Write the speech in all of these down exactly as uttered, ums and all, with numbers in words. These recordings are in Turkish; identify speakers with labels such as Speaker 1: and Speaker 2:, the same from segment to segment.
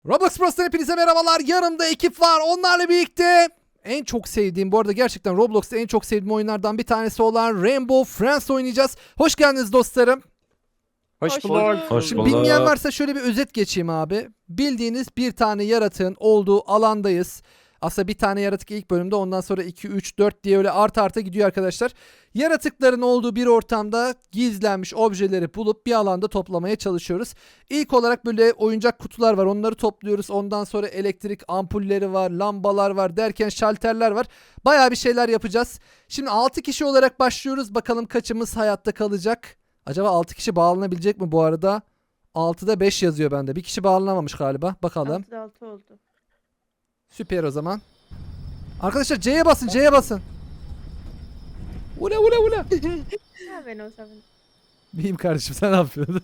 Speaker 1: Roblox Pros'tan hepinize merhabalar. Yanımda ekip var. Onlarla birlikte en çok sevdiğim, bu arada gerçekten Roblox'ta en çok sevdiğim oyunlardan bir tanesi olan Rainbow Friends oynayacağız. Hoş geldiniz dostlarım.
Speaker 2: Hoş
Speaker 3: Hoş
Speaker 2: bulduk.
Speaker 3: bulduk.
Speaker 2: Hoş
Speaker 1: Şimdi
Speaker 2: bulduk.
Speaker 1: bilmeyen varsa şöyle bir özet geçeyim abi. Bildiğiniz bir tane yaratığın olduğu alandayız. Aslında bir tane yaratık ilk bölümde, ondan sonra iki, üç, dört diye öyle arta arta gidiyor arkadaşlar. Yaratıkların olduğu bir ortamda gizlenmiş objeleri bulup bir alanda toplamaya çalışıyoruz. İlk olarak böyle oyuncak kutular var, onları topluyoruz. Ondan sonra elektrik ampulleri var, lambalar var derken şalterler var. Bayağı bir şeyler yapacağız. Şimdi altı kişi olarak başlıyoruz. Bakalım kaçımız hayatta kalacak? Acaba altı kişi bağlanabilecek mi bu arada? altıda beş yazıyor bende. Bir kişi bağlanamamış galiba. Bakalım.
Speaker 3: Altıda altı oldu.
Speaker 1: Süper o zaman. Arkadaşlar C'ye basın, C'ye basın. Ula ula ula.
Speaker 3: Ha ben o zaman.
Speaker 1: Miyim kardeşim, sen ne yapıyorsun?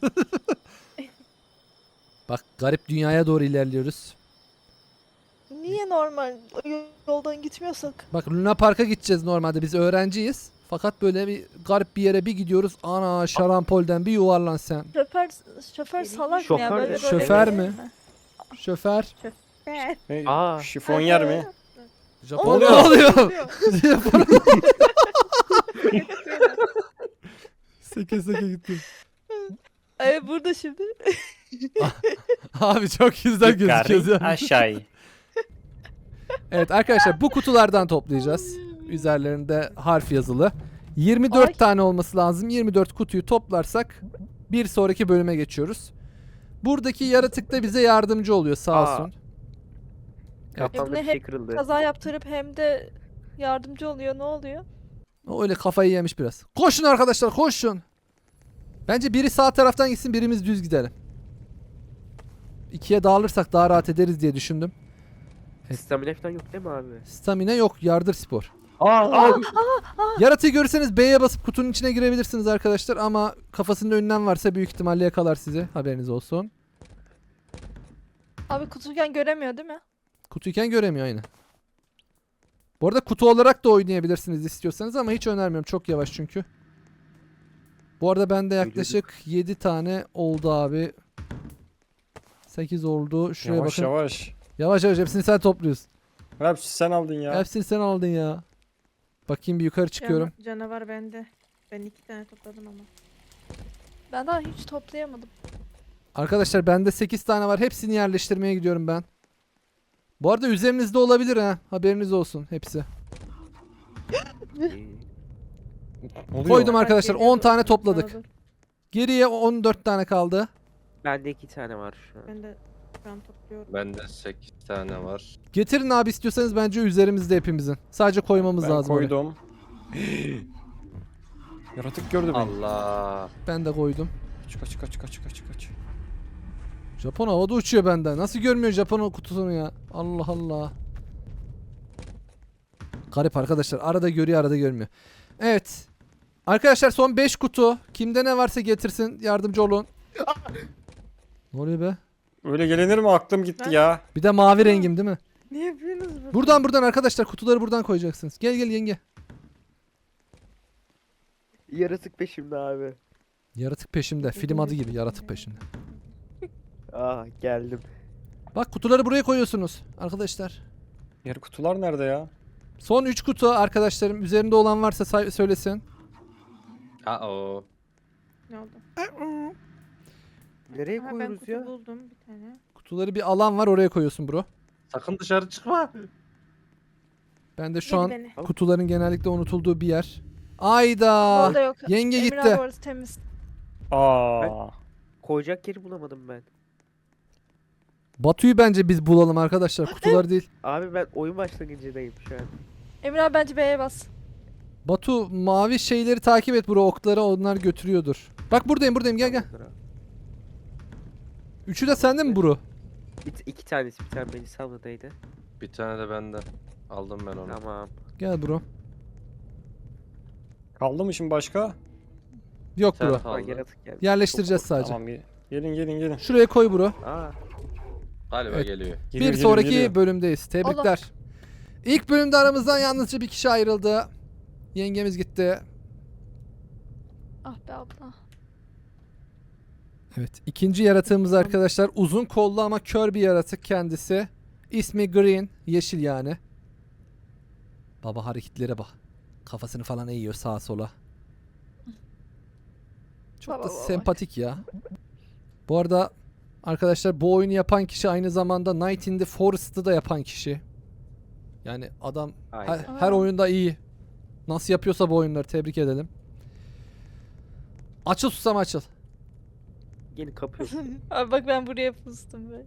Speaker 1: Bak, garip dünyaya doğru ilerliyoruz.
Speaker 4: Niye normal yoldan gitmiyorsak?
Speaker 1: Bak, Luna Park'a gideceğiz normalde, biz öğrenciyiz. Fakat böyle bir garip bir yere bir gidiyoruz. Ana şarampolden bir yuvarlan sen.
Speaker 4: Şoför şoför salak mı ya
Speaker 2: Şoför
Speaker 4: böyle
Speaker 2: de-
Speaker 4: böyle
Speaker 1: Şoför
Speaker 4: değil
Speaker 1: mü? Şoför.
Speaker 3: Ben.
Speaker 2: Ne?
Speaker 5: Aa.
Speaker 2: Şifonyer mi?
Speaker 1: Japon ne
Speaker 4: Oluyor.
Speaker 1: oluyor? Japon. Seke seke gitti.
Speaker 4: Ay burada şimdi.
Speaker 1: Abi çok güzel gözüküyoruz ya.
Speaker 5: Aşağı.
Speaker 1: Evet arkadaşlar, bu kutulardan toplayacağız. Üzerlerinde harf yazılı. yirmi dört
Speaker 4: Ay.
Speaker 1: tane olması lazım. yirmi dört kutuyu toplarsak bir sonraki bölüme geçiyoruz. Buradaki yaratık da bize yardımcı oluyor sağ
Speaker 5: Aa.
Speaker 1: olsun.
Speaker 5: Kafamda
Speaker 4: Ebne
Speaker 5: bir şey
Speaker 4: hep
Speaker 5: kırıldı.
Speaker 4: kaza yaptırıp hem de yardımcı oluyor. Ne oluyor?
Speaker 1: O öyle kafayı yemiş biraz. Koşun arkadaşlar, koşun. Bence biri sağ taraftan gitsin, birimiz düz gidelim. İkiye dağılırsak daha rahat ederiz diye düşündüm.
Speaker 5: Stamina falan yok değil mi abi?
Speaker 1: Stamina yok, yardır spor.
Speaker 5: Aa.
Speaker 1: Yaratığı görürseniz B'ye basıp kutunun içine girebilirsiniz arkadaşlar, ama kafasında önlem varsa büyük ihtimalle yakalar sizi. Haberiniz olsun.
Speaker 4: Abi kutuyken göremiyor değil mi?
Speaker 1: Kutuyken göremiyor aynı. Bu arada kutu olarak da oynayabilirsiniz istiyorsanız, ama hiç önermiyorum. Çok yavaş çünkü. Bu arada bende yaklaşık yedi tane oldu abi. sekiz oldu. Şuraya
Speaker 2: Yavaş
Speaker 1: bakın.
Speaker 2: yavaş.
Speaker 1: Yavaş yavaş hepsini sen topluyorsun.
Speaker 2: Hepsi sen aldın ya.
Speaker 1: Hepsini sen aldın ya. Bakayım, bir yukarı çıkıyorum.
Speaker 3: Cana- canavar bende. Ben iki tane topladım ama.
Speaker 4: Ben daha hiç toplayamadım.
Speaker 1: Arkadaşlar bende sekiz tane var. Hepsini yerleştirmeye gidiyorum ben. Bu arada üzerinizde olabilir ha. Haberiniz olsun hepsi.
Speaker 2: Oluyor.
Speaker 1: Koydum
Speaker 3: Bak,
Speaker 1: arkadaşlar.
Speaker 3: geliyor
Speaker 1: on tane
Speaker 3: bak,
Speaker 1: topladık.
Speaker 3: sağa dur.
Speaker 1: Geriye on dört tane kaldı.
Speaker 5: Bende iki tane var şu an.
Speaker 3: Ben de şu an topluyorum.
Speaker 6: Bende sekiz tane var.
Speaker 1: Getirin abi, istiyorsanız bence üzerimizde hepimizin. Sadece koymamız
Speaker 2: Ben
Speaker 1: lazım oraya.
Speaker 2: koydum. Yaratık gördü beni.
Speaker 6: Allah.
Speaker 1: Ben de koydum.
Speaker 2: Kaç kaç kaç kaç kaç kaç.
Speaker 1: Japon havada uçuyor benden. Nasıl görmüyor Japon o kutusunu ya? Allah Allah. Garip arkadaşlar. Arada görüyor, arada görmüyor. Evet. Arkadaşlar son beş kutu. Kimde ne varsa getirsin. Yardımcı olun. Ne oluyor be?
Speaker 2: Öyle gelinir mi? Aklım gitti
Speaker 3: Ben-
Speaker 2: ya.
Speaker 1: Bir de mavi rengim değil mi?
Speaker 3: Ne yapıyorsunuz burada?
Speaker 1: Buradan buradan arkadaşlar, kutuları buradan koyacaksınız. Gel gel yenge.
Speaker 5: Yaratık peşimde abi.
Speaker 1: Yaratık peşimde. Film adı gibi, yaratık peşimde.
Speaker 5: Aa geldim.
Speaker 1: Bak, kutuları buraya koyuyorsunuz arkadaşlar.
Speaker 2: Diğer kutular nerede ya?
Speaker 1: Son üç kutu arkadaşlarım. Üzerinde olan varsa say- söylesin.
Speaker 6: Aa o.
Speaker 3: Ne oldu?
Speaker 5: Nereye
Speaker 3: Aha, ben
Speaker 5: koyuyoruz
Speaker 3: kutu
Speaker 5: ya?
Speaker 3: buldum bir tane.
Speaker 1: Kutuları bir alan var, oraya koyuyorsun bro.
Speaker 6: Sakın dışarı çıkma.
Speaker 1: Ben de şu
Speaker 3: Yedi
Speaker 1: an
Speaker 3: beni.
Speaker 1: kutuların genellikle unutulduğu bir yer. Ayda.
Speaker 4: Orada yok.
Speaker 1: Yenge
Speaker 4: Emir
Speaker 1: gitti.
Speaker 4: abi orası temiz.
Speaker 2: Aa.
Speaker 5: Koyacak yeri bulamadım ben.
Speaker 1: Batu'yu bence biz bulalım arkadaşlar, kutular değil.
Speaker 5: Abi ben oyun başlangıcındayım şu an.
Speaker 4: Emir abi bence B'ye bas.
Speaker 1: Batu, mavi şeyleri takip et bro, okları onlar götürüyordur. Bak buradayım buradayım, gel gel. Üçü de sende mi bro?
Speaker 5: Bir, iki tanesi bir tane beni salladaydı.
Speaker 6: Bir tane de bende. Aldım ben onu.
Speaker 5: Tamam.
Speaker 1: Gel bro.
Speaker 2: Kaldı mı şimdi başka?
Speaker 1: Yok
Speaker 6: Sen
Speaker 1: bro.
Speaker 6: kal.
Speaker 5: Aa,
Speaker 6: Aldı.
Speaker 5: yaratık geldi.
Speaker 1: Yerleştireceğiz sadece.
Speaker 2: Tamam bir. Gelin gelin gelin.
Speaker 1: Şuraya koy bro.
Speaker 5: Aa.
Speaker 6: Galiba
Speaker 1: Evet.
Speaker 6: geliyor.
Speaker 2: Geliyor,
Speaker 1: Bir
Speaker 2: geliyor,
Speaker 1: sonraki
Speaker 2: geliyor.
Speaker 1: bölümdeyiz. Tebrikler. İlk bölümde aramızdan yalnızca bir kişi ayrıldı. Yengemiz gitti.
Speaker 4: Ah be abla.
Speaker 1: Evet. ikinci yaratığımız arkadaşlar uzun kollu ama kör bir yaratık kendisi. İsmi Green. Yeşil yani. Baba hareketlere bak. Kafasını falan eğiyor sağa sola. Çok
Speaker 4: Baba
Speaker 1: da
Speaker 4: baba.
Speaker 1: sempatik ya. Bu arada arkadaşlar bu oyunu yapan kişi aynı zamanda Night in the Forest'ı da yapan kişi. Yani adam her,
Speaker 5: Aynen.
Speaker 1: her
Speaker 4: Aa.
Speaker 1: oyunda iyi. Nasıl yapıyorsa bu oyunları tebrik edelim. Açıl susam açıl.
Speaker 5: Yeni kapıyor.
Speaker 4: Abi bak ben buraya pustum be.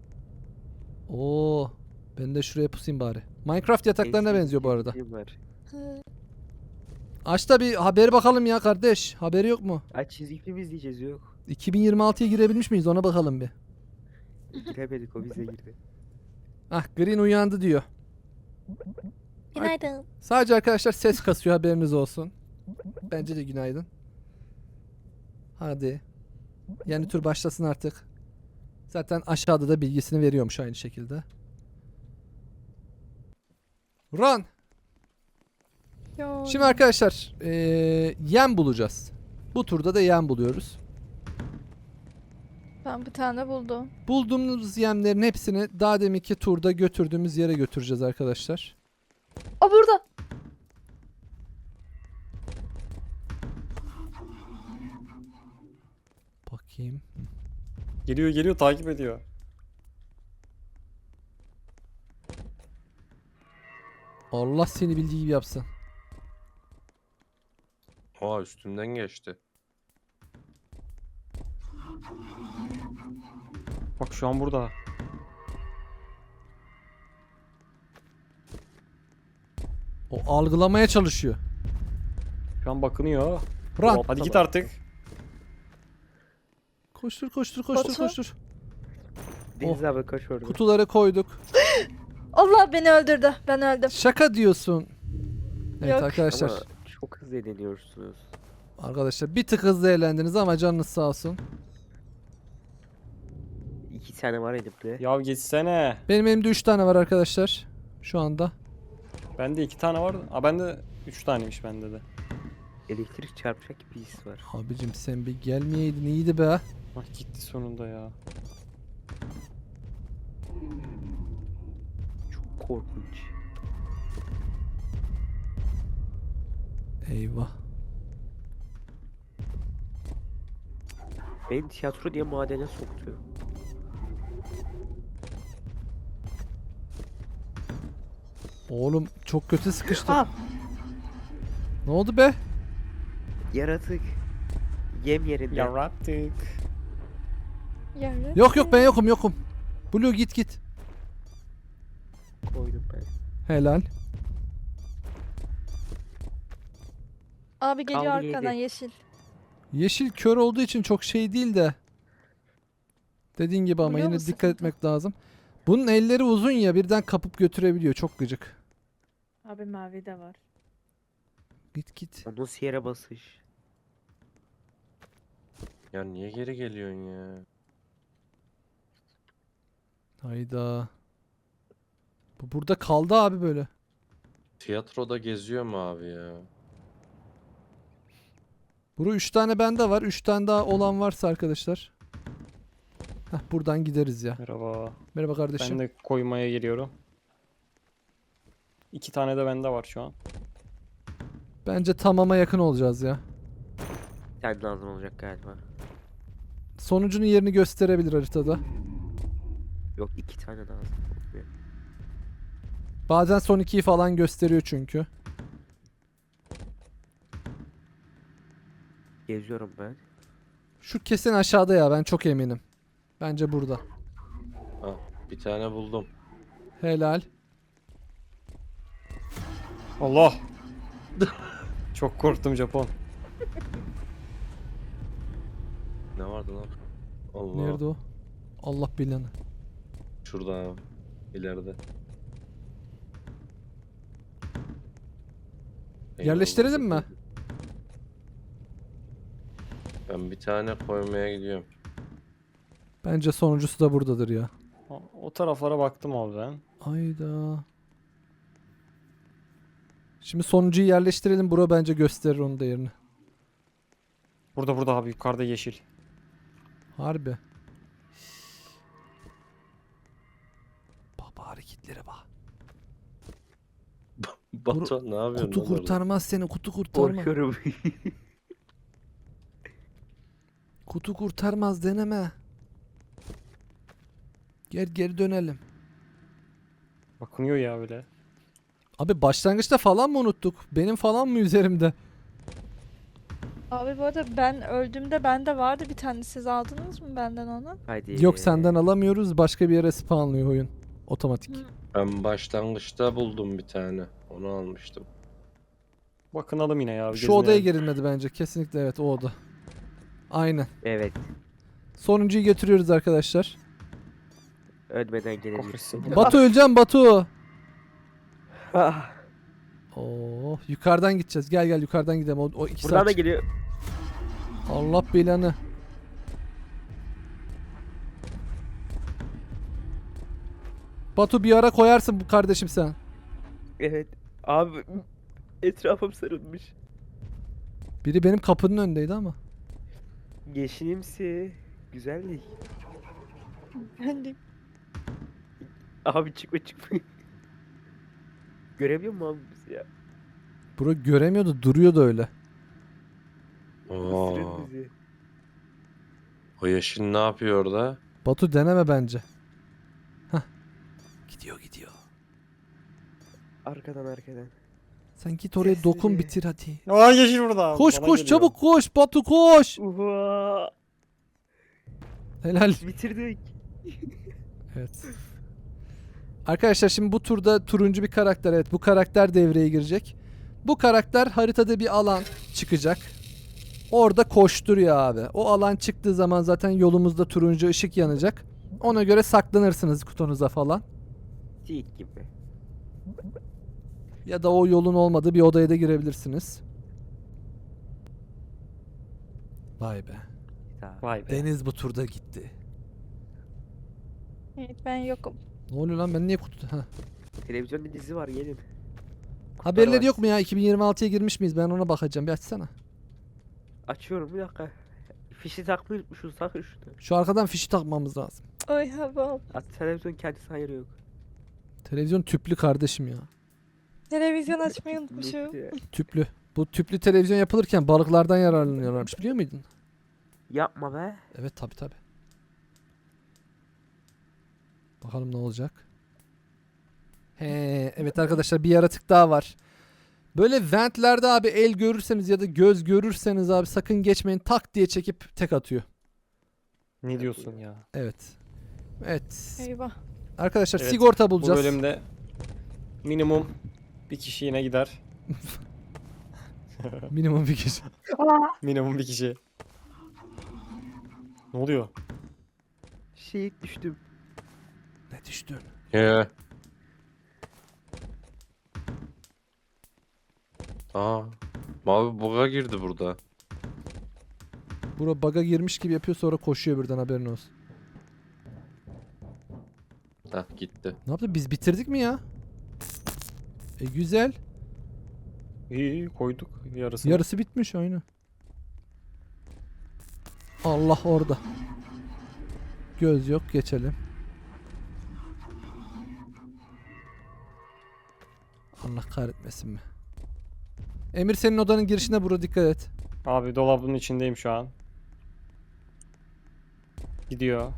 Speaker 1: Oo, ben de şuraya pusayım bari. Minecraft yataklarına
Speaker 5: Eski
Speaker 1: benziyor bu arada.
Speaker 5: film var.
Speaker 1: Aç da bir haberi bakalım ya kardeş. Haberi yok mu?
Speaker 5: Ay çizgi film izleyeceğiz yok.
Speaker 1: iki bin yirmi altıya girebilmiş miyiz ona bakalım bir.
Speaker 5: Giremedik o bize girdi.
Speaker 1: Ah Green uyandı diyor.
Speaker 4: Günaydın.
Speaker 1: Sadece arkadaşlar ses kasıyor haberiniz olsun. Bence de günaydın. Hadi. Yeni tur başlasın artık. Zaten aşağıda da bilgisini veriyormuş aynı şekilde. Run.
Speaker 4: Yo.
Speaker 1: Şimdi arkadaşlar eee yem bulacağız. Bu turda da yem buluyoruz.
Speaker 4: Ben bir tane buldum.
Speaker 1: Bulduğumuz yemlerin hepsini daha deminki turda götürdüğümüz yere götüreceğiz arkadaşlar.
Speaker 4: O burada.
Speaker 1: Bakayım.
Speaker 2: Geliyor geliyor takip ediyor.
Speaker 1: Allah seni bildiği gibi yapsın.
Speaker 6: Oha üstümden geçti.
Speaker 2: Bak şu an burada.
Speaker 1: O algılamaya çalışıyor.
Speaker 2: Şu an bakınıyor.
Speaker 1: Run.
Speaker 2: Hop, hadi git artık.
Speaker 1: Koştur koştur koştur
Speaker 4: Batu.
Speaker 1: koştur.
Speaker 5: Deniz abi kaç orada.
Speaker 1: Kutuları koyduk.
Speaker 4: Allah beni öldürdü. Ben öldüm.
Speaker 1: Şaka diyorsun. Evet
Speaker 4: Yok.
Speaker 1: arkadaşlar.
Speaker 5: Ama çok hızlı eğleniyorsunuz.
Speaker 1: Arkadaşlar bir tık hızlı eğlendiniz ama canınız sağ olsun.
Speaker 5: İki tane var elimde.
Speaker 2: Ya geçsene.
Speaker 1: Benim elimde üç tane var arkadaşlar. Şu anda.
Speaker 2: Bende iki tane var. Aa bende üç taneymiş bende de.
Speaker 5: Elektrik çarpacak bir his var.
Speaker 1: Abicim sen bir gelmeyeydin iyiydi be.
Speaker 2: Bak gitti sonunda ya.
Speaker 5: Çok korkunç.
Speaker 1: Eyvah.
Speaker 5: Beni tiyatro diye madene soktu.
Speaker 1: Oğlum çok kötü sıkıştım.
Speaker 4: Aa.
Speaker 1: Ne oldu be?
Speaker 5: Yaratık. Yem yerinde.
Speaker 2: Yarattık.
Speaker 4: Yarın.
Speaker 1: Yok yok ben yokum yokum. Blue git git.
Speaker 5: Koydum ben.
Speaker 1: Helal.
Speaker 4: Abi geliyor
Speaker 5: Kaldı
Speaker 4: arkadan
Speaker 5: yedi.
Speaker 4: yeşil.
Speaker 1: Yeşil kör olduğu için çok şey değil de. Dediğin gibi ama
Speaker 4: Vuruyor
Speaker 1: yine
Speaker 4: mu
Speaker 1: dikkat
Speaker 4: sıkıntı?
Speaker 1: etmek lazım. Bunun elleri uzun ya birden kapıp götürebiliyor. Çok gıcık.
Speaker 3: Abi mavi de var.
Speaker 1: Git git.
Speaker 5: O nasıl yere basış?
Speaker 6: Ya niye geri geliyorsun ya?
Speaker 1: Hayda. Bu burada kaldı abi böyle.
Speaker 6: Tiyatroda geziyor mu abi ya?
Speaker 1: Buru üç tane bende var. üç tane daha olan varsa arkadaşlar. Heh, buradan gideriz ya.
Speaker 2: Merhaba.
Speaker 1: Merhaba kardeşim.
Speaker 2: Ben de koymaya geliyorum. İki tane de bende var şu an.
Speaker 1: Bence tamama yakın olacağız ya.
Speaker 5: Bir tane lazım olacak galiba.
Speaker 1: Sonucunun yerini gösterebilir haritada.
Speaker 5: Yok iki tane lazım. Olmuyor.
Speaker 1: Bazen son ikiyi falan gösteriyor çünkü.
Speaker 5: Geziyorum ben.
Speaker 1: Şu kesin aşağıda ya ben çok eminim. Bence burada.
Speaker 6: Ha, bir tane buldum.
Speaker 1: Helal.
Speaker 2: Allah. Çok korktum Japon.
Speaker 6: Ne vardı lan? Allah.
Speaker 1: Nerede o? Allah bilanı.
Speaker 6: Şurada abi. İleride.
Speaker 1: Yerleştirelim mi?
Speaker 6: Ben bir tane koymaya gidiyorum.
Speaker 1: Bence sonuncusu da buradadır ya.
Speaker 2: O, o taraflara baktım abi ben.
Speaker 1: Ayda. Şimdi sonuncuyu yerleştirelim. Bura bence gösterir onun da yerini.
Speaker 2: Burada burada abi yukarıda yeşil.
Speaker 1: Harbi. Baba hareketlere bak.
Speaker 6: Batuhan ne yapıyorsun
Speaker 1: Kutu
Speaker 6: lan orada?
Speaker 1: kurtarmaz seni, kutu kurtarmaz.
Speaker 5: Korkuyorum.
Speaker 1: Kutu kurtarmaz, deneme. Gel geri dönelim.
Speaker 2: Bakınıyor ya öyle.
Speaker 1: Abi başlangıçta falan mı unuttuk? Benim falan mı üzerimde?
Speaker 4: Abi bu arada ben öldüğümde bende vardı bir tane. Siz aldınız mı benden onu?
Speaker 5: Haydi.
Speaker 1: Yok, senden alamıyoruz. Başka bir yere spawnlıyor oyun. Otomatik.
Speaker 4: Hı.
Speaker 6: Ben başlangıçta buldum bir tane. Onu almıştım.
Speaker 2: Bakınalım yine ya. bir
Speaker 1: Şu odaya
Speaker 2: gezmeyelim.
Speaker 1: girilmedi bence. Kesinlikle evet, o oda. Aynen.
Speaker 5: Evet.
Speaker 1: Sonuncuyu götürüyoruz arkadaşlar.
Speaker 5: Ölmeden gelebilirsin.
Speaker 2: Kahretsin.
Speaker 1: Batu öleceğim Batu.
Speaker 5: Ah,
Speaker 1: Oo, yukarıdan gideceğiz. Gel gel yukarıdan gidelim. O, o iki
Speaker 5: buradan
Speaker 1: saat.
Speaker 5: da geliyor.
Speaker 1: Allah belanı. Batu bir ara koyarsın bu kardeşim sen.
Speaker 5: Evet. Abi etrafım sarılmış.
Speaker 1: Biri benim kapının önündeydi ama.
Speaker 5: Yeşilimsi. Güzellik.
Speaker 4: Ben de
Speaker 5: Abi çıkma çıkma. Göremiyor musun abi bizi ya?
Speaker 1: Bro göremiyordu, duruyordu öyle.
Speaker 6: Oo.
Speaker 5: Isırır bizi.
Speaker 6: O yeşil ne yapıyor orada?
Speaker 1: Batu deneme bence. Hah. Gidiyor gidiyor.
Speaker 5: Arkadan arkadan.
Speaker 1: Sen git oraya dokun,
Speaker 5: Sessizce.
Speaker 1: bitir hadi.
Speaker 2: Aa yeşil burada.
Speaker 1: Koş
Speaker 2: Bana
Speaker 1: koş
Speaker 2: geliyor.
Speaker 1: çabuk koş Batu koş.
Speaker 5: Uha.
Speaker 1: Helal.
Speaker 5: Bitirdik.
Speaker 1: Evet. Arkadaşlar şimdi bu turda turuncu bir karakter, evet bu karakter devreye girecek. Bu karakter haritada bir alan çıkacak. Orada koşturuyor abi. O alan çıktığı zaman zaten yolumuzda turuncu ışık yanacak. Ona göre saklanırsınız kutunuza falan.
Speaker 5: Tik gibi.
Speaker 1: Ya da o yolun olmadığı bir odaya da girebilirsiniz. Vay be.
Speaker 5: Tamam.
Speaker 2: Vay be.
Speaker 1: Deniz bu turda gitti.
Speaker 4: evet, ben yokum.
Speaker 1: Ne oluyor lan, ben niye kutu... Heh.
Speaker 5: Televizyonda dizi var gelin.
Speaker 1: Haberleri
Speaker 5: var.
Speaker 1: yok mu ya? iki bin yirmi altıya girmiş miyiz? Ben ona bakacağım. Bir açsana.
Speaker 5: Açıyorum bir dakika. Fişi takmayı unutmuşuz, takın şunu.
Speaker 1: Şu arkadan fişi takmamız lazım.
Speaker 4: Ay hava.
Speaker 5: At televizyon kendisi hayır yok.
Speaker 1: Televizyon tüplü kardeşim ya.
Speaker 4: Televizyon açmayı unutmuşum.
Speaker 1: Tüplü. Bu tüplü televizyon yapılırken balıklardan yararlanıyorlarmış, biliyor muydun?
Speaker 5: Yapma be.
Speaker 1: Evet tabi tabi. Bakalım ne olacak. He, evet arkadaşlar bir yaratık daha var. Böyle ventlerde abi el görürseniz ya da göz görürseniz abi sakın geçmeyin, tak diye çekip tek atıyor.
Speaker 2: Ne diyorsun ya?
Speaker 1: Evet. Evet.
Speaker 4: Eyvah.
Speaker 1: Arkadaşlar
Speaker 2: Evet,
Speaker 1: sigorta
Speaker 2: Bu
Speaker 1: bulacağız.
Speaker 2: bölümde minimum bir kişi yine gider.
Speaker 1: Minimum bir kişi.
Speaker 2: Minimum bir kişi. Ne oluyor?
Speaker 5: Şehit düştüm.
Speaker 1: Ne düştün?
Speaker 6: He. Aa. Mavi buga girdi burada.
Speaker 1: Bura baga girmiş gibi yapıyor, sonra koşuyor birden, haberin olsun.
Speaker 6: Hah gitti.
Speaker 1: Ne yaptı? Biz bitirdik mi ya? E güzel.
Speaker 2: İyi iyi koyduk yarısını.
Speaker 1: Yarısı bitmiş oyunu. Allah orada. Göz yok, geçelim. Allah kahretmesin mi? Emir senin odanın girişine, burada dikkat et.
Speaker 2: Abi dolabın içindeyim şu an. Gidiyor.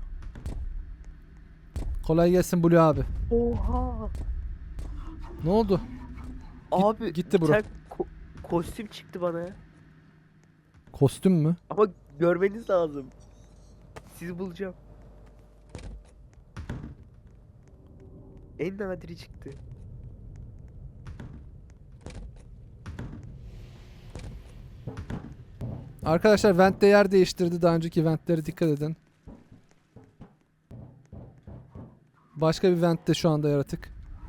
Speaker 1: Kolay gelsin Blue abi.
Speaker 5: Oha.
Speaker 1: Ne oldu?
Speaker 5: Abi
Speaker 1: gitti
Speaker 5: bir
Speaker 1: bro.
Speaker 5: tane ko- kostüm çıktı bana.
Speaker 1: Kostüm mü?
Speaker 5: Ama görmeniz lazım. Sizi bulacağım. En nadiri çıktı.
Speaker 1: Arkadaşlar vent de yer değiştirdi. Daha önceki ventlere dikkat edin. Başka bir ventte şu anda yaratık.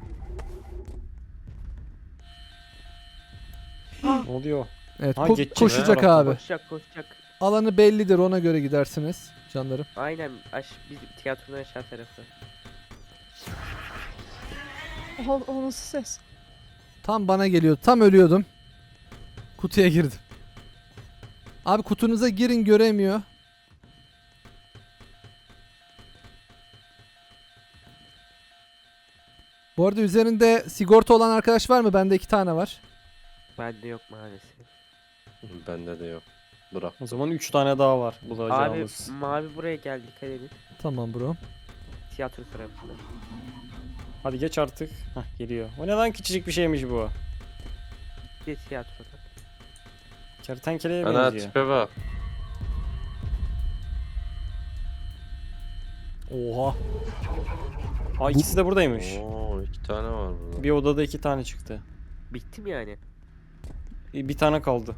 Speaker 2: Ne oluyor?
Speaker 1: Evet
Speaker 2: Ha,
Speaker 1: ko-
Speaker 2: geçecek
Speaker 1: koşacak
Speaker 2: ha.
Speaker 1: abi.
Speaker 5: Koşacak koşacak.
Speaker 1: Alanı bellidir, ona göre gidersiniz canlarım.
Speaker 5: Aynen aş bizim tiyatronun aşağı tarafı.
Speaker 4: O, o nasıl ses?
Speaker 1: Tam bana geliyordu. Tam ölüyordum. Kutuya girdim. Abi kutunuza girin, göremiyor. Bu arada üzerinde sigorta olan arkadaş var mı? Bende iki tane var.
Speaker 5: Bende yok maalesef.
Speaker 6: Bende de yok. Bırak.
Speaker 2: O zaman üç tane daha var
Speaker 5: Abi
Speaker 2: bulacağımız.
Speaker 5: mavi buraya geldi, dikkat edin.
Speaker 1: Tamam bro.
Speaker 5: Tiyatro tarafında.
Speaker 2: Hadi geç artık. Hah geliyor. O neden küçücük bir şeymiş bu?
Speaker 5: Bir de tiyatroda.
Speaker 2: Kertenkeleye
Speaker 6: Ana
Speaker 2: benziyor.
Speaker 6: tipe bak.
Speaker 1: Oha.
Speaker 2: Aa ikisi de buradaymış.
Speaker 6: Oo, iki tane var burada.
Speaker 2: Bir odada iki tane çıktı.
Speaker 5: Bitti mi yani?
Speaker 2: Bir bir tane kaldı.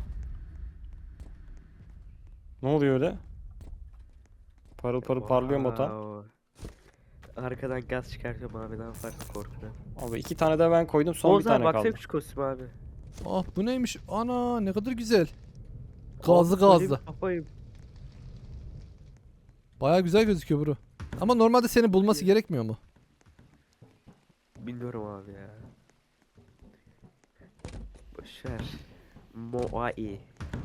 Speaker 2: Ne oluyor öyle? Parıl parıl parlıyor mu Batuhan?
Speaker 5: Wow. Arkadan gaz çıkartıyorum abi, ne yaparsın korkudan.
Speaker 2: Abi iki tane de ben koydum, son
Speaker 5: Oğuz
Speaker 2: bir
Speaker 5: abi
Speaker 2: tane
Speaker 5: baksana
Speaker 2: kaldı.
Speaker 5: şu kostüm abi.
Speaker 1: Ah bu neymiş? Ana ne kadar güzel.
Speaker 5: Abi,
Speaker 1: Gazlı
Speaker 5: böyle
Speaker 1: gazlı.
Speaker 5: bir kafayım.
Speaker 1: Baya güzel gözüküyor bro. Ama normalde seni bulması gerekmiyor mu?
Speaker 5: Bilmiyorum abi ya. Boşver. Moai.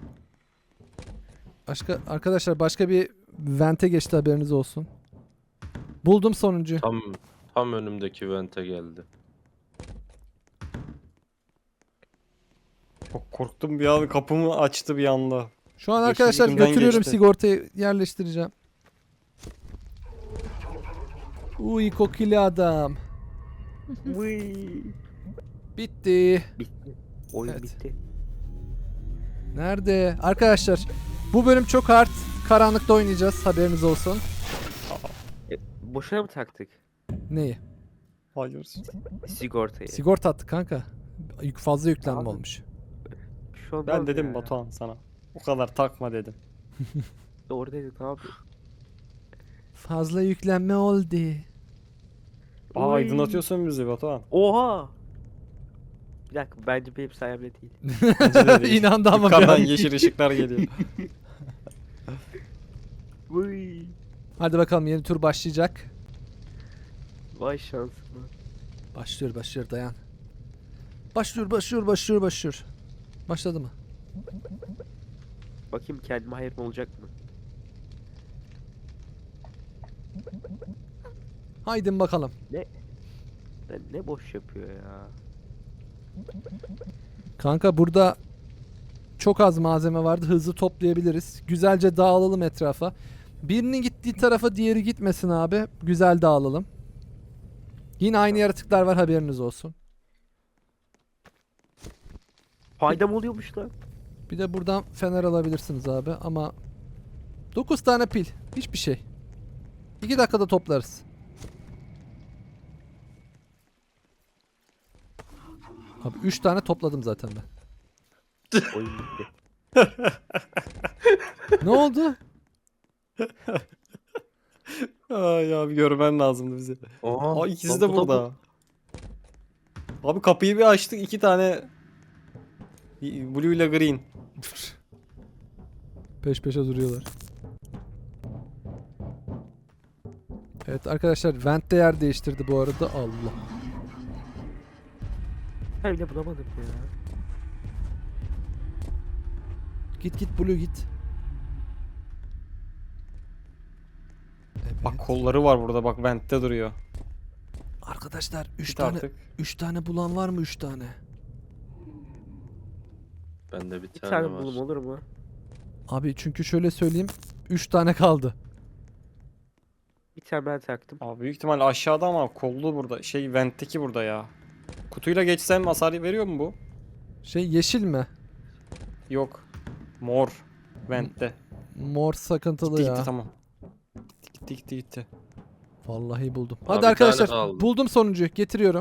Speaker 1: Başka arkadaşlar başka bir vente geçti, haberiniz olsun. Buldum sonuncuyu.
Speaker 6: Tam tam önümdeki vente geldi.
Speaker 2: Çok korktum bir an, kapımı açtı bir anda.
Speaker 1: Şu an
Speaker 2: Yeşil
Speaker 1: arkadaşlar
Speaker 2: ucundan
Speaker 1: götürüyorum,
Speaker 2: geçti.
Speaker 1: sigortayı yerleştireceğim. Uy kokili adam.
Speaker 5: Vıy.
Speaker 1: Bitti.
Speaker 5: Bitti. Oyun
Speaker 1: Evet.
Speaker 5: bitti.
Speaker 1: Nerede? Arkadaşlar bu bölüm çok hard. Karanlıkta oynayacağız, haberiniz olsun.
Speaker 5: E, boşuna mı taktık
Speaker 1: Neyi?
Speaker 2: Hayır.
Speaker 5: sigortayı?
Speaker 1: Sigorta attık kanka. Yük fazla yüklenme
Speaker 5: Abi.
Speaker 1: olmuş.
Speaker 5: Şu an
Speaker 2: Ben dedim Batuhan sana. O kadar takma dedim.
Speaker 5: Doğru dedin abi.
Speaker 1: Fazla yüklenme oldu.
Speaker 2: Aa
Speaker 5: Oy.
Speaker 2: aydınlatıyorsun bizi Batuhan.
Speaker 5: Oha. Bir dakika, bence benim sayemde değil.
Speaker 2: Bence de değil.
Speaker 1: İnandı ama bir
Speaker 2: Yukarıdan
Speaker 1: an.
Speaker 2: yeşil ışıklar geliyor.
Speaker 5: Vıy.
Speaker 1: Hadi bakalım, yeni tur başlayacak.
Speaker 5: Vay şansıma.
Speaker 1: Başlıyor başlıyor, dayan. Başlıyor başlıyor başlıyor başlıyor. Başladı mı?
Speaker 5: Bakayım kendime hayır mı olacak mı?
Speaker 1: Haydi bakalım.
Speaker 5: Lan ne boş yapıyor ya.
Speaker 1: Kanka burada çok az malzeme vardı. Hızlı toplayabiliriz. Güzelce dağılalım etrafa. Birinin gittiği tarafa diğeri gitmesin abi. Güzel dağılalım. Yine aynı yaratıklar var, haberiniz olsun.
Speaker 5: Faydam oluyormuş lan.
Speaker 1: Bir de buradan fener alabilirsiniz abi ama dokuz tane pil. Hiçbir şey. iki dakikada toplarız. Abi üç tane topladım zaten ben.
Speaker 5: Oyun bitti.
Speaker 1: Ne oldu?
Speaker 2: Ay abi görmen lazımdı bizi.
Speaker 6: Oha.
Speaker 2: Aa ikisi
Speaker 6: lan
Speaker 2: de
Speaker 6: bu da bu.
Speaker 2: burada. Abi kapıyı bir açtık, iki tane Blue ile Green.
Speaker 1: Peş peşe duruyorlar. Evet arkadaşlar, vent de yer değiştirdi bu arada. Allah.
Speaker 5: Ben bile bulamadım ya.
Speaker 1: Git git Blue git. Evet.
Speaker 2: Bak kolları var burada, bak vent'te duruyor.
Speaker 1: Arkadaşlar üç
Speaker 2: Git
Speaker 1: tane
Speaker 2: artık.
Speaker 1: üç tane bulan var mı? üç tane.
Speaker 6: Bende bir
Speaker 5: Bir
Speaker 6: tane,
Speaker 5: tane
Speaker 6: var.
Speaker 5: bulum olur mu?
Speaker 1: Abi çünkü şöyle söyleyeyim, üç tane kaldı.
Speaker 5: Bir tane ben taktım.
Speaker 2: Abi büyük ihtimal aşağıda ama kollu burada. Şey vent'teki burada ya. Kutuyla geçsem hasar veriyor mu bu?
Speaker 1: Şey yeşil mi?
Speaker 2: Yok. Mor. Vent'te.
Speaker 1: Mor sıkıntılı
Speaker 2: Gitti
Speaker 1: ya.
Speaker 2: gitti tamam. Gitti gitti gitti gitti.
Speaker 1: Vallahi buldum.
Speaker 6: Abi
Speaker 1: Hadi
Speaker 6: bir tane
Speaker 1: arkadaşlar,
Speaker 6: kaldı.
Speaker 1: buldum sonuncuyu. Getiriyorum.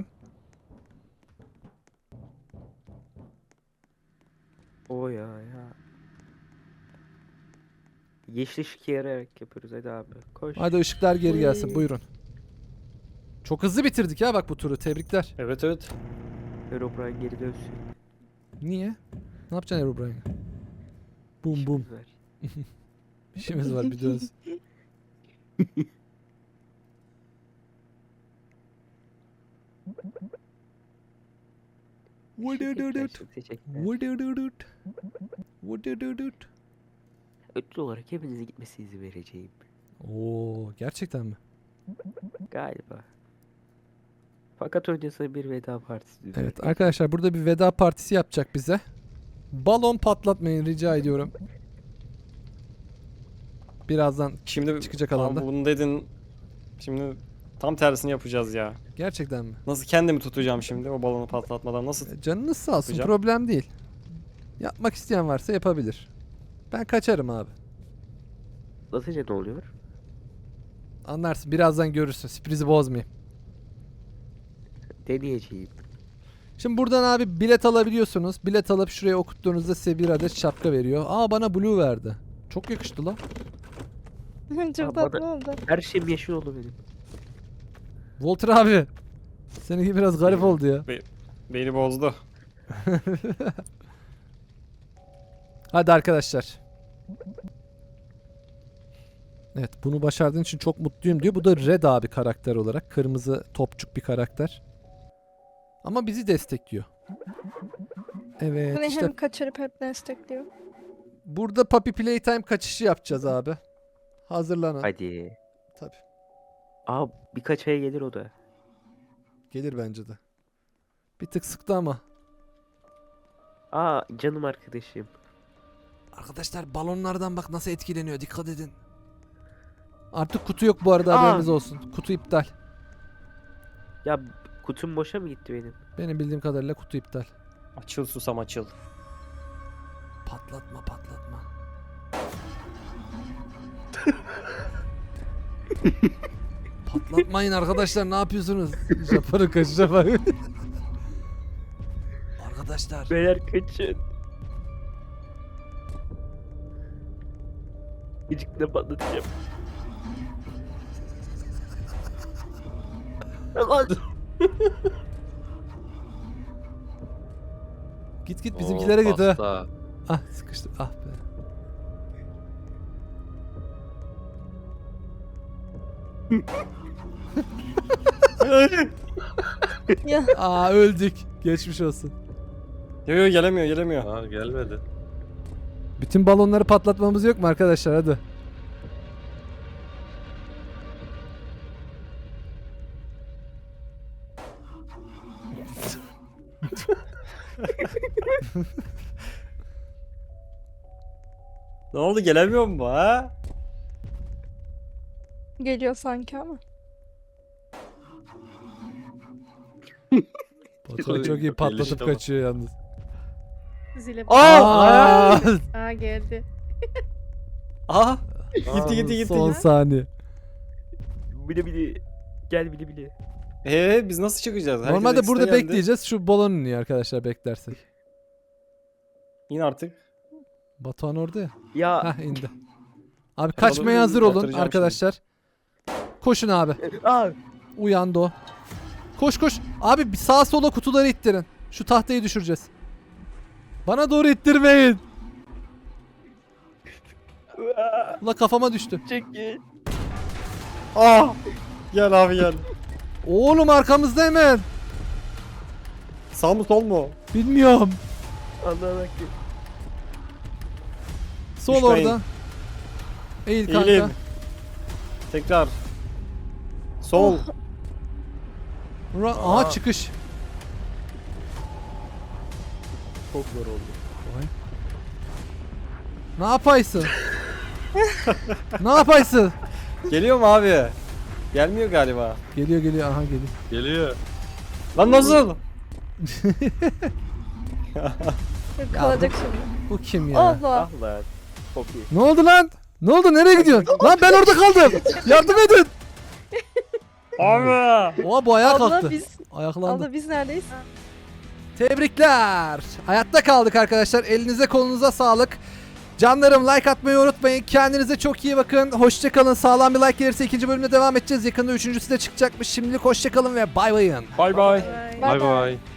Speaker 5: O ya ya. Yeşil ışık yarayarak yapıyoruz, hadi abi. Koş.
Speaker 1: Hadi ışıklar geri gelsin.
Speaker 5: Uy.
Speaker 1: Buyurun. Çok hızlı bitirdik ya bak bu turu. Tebrikler.
Speaker 2: Evet evet.
Speaker 5: Herobrine geri dönsün.
Speaker 1: Niye? Ne yapacaksın Herobrine? Bum bum.
Speaker 5: İşimiz var.
Speaker 1: İşimiz var, bir dönsün.
Speaker 5: Teşekkürler, çok teşekkürler. Ödül olarak hepinizin gitmesi izni vereceğim.
Speaker 1: Oo, gerçekten mi?
Speaker 5: Galiba. Fakat öncesinde bir veda partisi düzenledik.
Speaker 1: Evet arkadaşlar burada bir veda partisi yapacak bize. Balon patlatmayın rica ediyorum. Birazdan
Speaker 2: Şimdi
Speaker 1: çıkacak
Speaker 2: tamam,
Speaker 1: alanda.
Speaker 2: bunu dedin. Şimdi tam tersini yapacağız ya.
Speaker 1: Gerçekten mi?
Speaker 2: Nasıl kendimi tutacağım şimdi o balonu patlatmadan nasıl?
Speaker 1: E, Canınız sağ olsun
Speaker 2: Yapacağım.
Speaker 1: problem değil. Yapmak isteyen varsa yapabilir. Ben kaçarım abi.
Speaker 5: Atınca ne oluyor?
Speaker 1: Anlarsın birazdan görürsün sürprizi bozmayayım.
Speaker 5: Deneyeceğim.
Speaker 1: Şimdi buradan abi bilet alabiliyorsunuz. Bilet alıp şuraya okuttuğunuzda size bir adet şapka veriyor. Aa bana blue verdi. Çok yakıştı lan.
Speaker 4: Çok
Speaker 5: Aa,
Speaker 4: tatlı
Speaker 5: bana-
Speaker 4: oldu.
Speaker 5: Her şeyim yeşil oldu benim.
Speaker 1: Walter abi. Seninki biraz garip oldu ya.
Speaker 2: Beni bozdu.
Speaker 1: Hadi arkadaşlar. Evet bunu başardığın için çok mutluyum diyor. Bu da Red abi karakter olarak. Kırmızı topçuk bir karakter. Ama bizi destekliyor. Evet
Speaker 4: Hani
Speaker 1: işte
Speaker 4: hem kaçırıp hep destekliyor.
Speaker 1: burada Puppy Playtime kaçışı yapacağız abi. Hazırlanın.
Speaker 5: Hadi.
Speaker 1: Tabii.
Speaker 5: Aa birkaç aya gelir o da.
Speaker 1: Gelir bence de. Bir tık sıktı ama.
Speaker 5: Aa canım arkadaşım.
Speaker 1: Arkadaşlar balonlardan bak nasıl etkileniyor. Dikkat edin. Artık kutu yok bu arada
Speaker 5: Aa.
Speaker 1: haberiniz olsun. Kutu iptal.
Speaker 5: Ya kutum boşa mı gitti benim?
Speaker 1: Benim bildiğim kadarıyla kutu iptal.
Speaker 2: Açıl susam açıl.
Speaker 1: Patlatma patlatma. Patlatmayın arkadaşlar ne yapıyorsunuz? Japon'un kaçışa bak. Arkadaşlar.
Speaker 5: Beyler kaçın. Gıcıkla patlatacağım. Lan!
Speaker 1: Git git
Speaker 6: Oo,
Speaker 1: bizimkilere git ha.
Speaker 6: pasta.
Speaker 1: Ah sıkıştı. Ah be.
Speaker 4: Ya
Speaker 1: Aa öldük. Geçmiş olsun.
Speaker 2: Yo yo gelemiyor gelemiyor.
Speaker 6: Aa gelmedi.
Speaker 1: Bütün balonları patlatmamız yok mu arkadaşlar hadi.
Speaker 2: Ne oldu gelemiyor mu bu, ha?
Speaker 4: geliyor sanki ama.
Speaker 1: Batuhan çok iyi patlatıp
Speaker 6: Gelişti ama.
Speaker 1: kaçıyor yalnız.
Speaker 3: Zile
Speaker 2: Aa!
Speaker 1: Aa!
Speaker 3: Aa geldi.
Speaker 2: Aha! Gitti gitti gitti.
Speaker 1: Son saniye.
Speaker 5: Bile bile. Gel bile bile.
Speaker 2: Ee biz nasıl çıkacağız? Herkes
Speaker 1: Normalde
Speaker 2: ekstra
Speaker 1: burada
Speaker 2: geldi.
Speaker 1: bekleyeceğiz. Şu balon iniyor arkadaşlar beklersek.
Speaker 2: İn artık.
Speaker 1: Batuhan orada ya.
Speaker 5: Ya
Speaker 1: Hah indi. Abi kaçmaya
Speaker 2: balonu
Speaker 1: hazır olun
Speaker 2: batıracağım
Speaker 1: arkadaşlar. Koşun abi.
Speaker 5: aa
Speaker 1: Uyandı o. Koş koş. Abi bir sağa sola kutuları ittirin. Şu tahtayı düşüreceğiz. Bana doğru ittirmeyin. Ula kafama düştü.
Speaker 5: çekil.
Speaker 2: Ah! Gel abi gel.
Speaker 1: Oğlum arkamızda hemen.
Speaker 2: Sağ mı sol mu?
Speaker 1: Bilmiyorum.
Speaker 5: Allah'ın hakkı.
Speaker 1: Sol
Speaker 2: Düşmeyin.
Speaker 1: orada. Eğil kanka.
Speaker 2: İyiyim. Tekrar. Sol.
Speaker 1: Ra- Aha çıkış.
Speaker 5: Çok zor oldu.
Speaker 1: Ne yapaysın? Ne yapaysın?
Speaker 2: Geliyor mu abi? Gelmiyor galiba.
Speaker 1: Geliyor geliyor aha geliyor.
Speaker 6: Geliyor.
Speaker 2: Lan nasıl?
Speaker 4: Yok, kalacak şimdi.
Speaker 1: Bu kim ya?
Speaker 4: Allah.
Speaker 5: Ah lan. Çok iyi.
Speaker 1: Ne oldu lan? Ne oldu? Nereye gidiyorsun? Lan ben orada kaldım. Yardım edin.
Speaker 2: Abi!
Speaker 1: Oha bu ayağa
Speaker 4: Abla
Speaker 1: kalktı.
Speaker 4: biz,
Speaker 1: Ayaklandı.
Speaker 4: abla biz neredeyiz?
Speaker 1: Tebrikler. Hayatta kaldık arkadaşlar. Elinize kolunuza sağlık. Canlarım like atmayı unutmayın. Kendinize çok iyi bakın. Hoşçakalın. Sağlam bir like gelirse ikinci bölümde devam edeceğiz. Yakında üçüncüsü de çıkacakmış. Şimdilik hoşçakalın ve bay bayın.
Speaker 2: Bay bay.
Speaker 3: Bye.
Speaker 4: Bye
Speaker 6: Bay bay.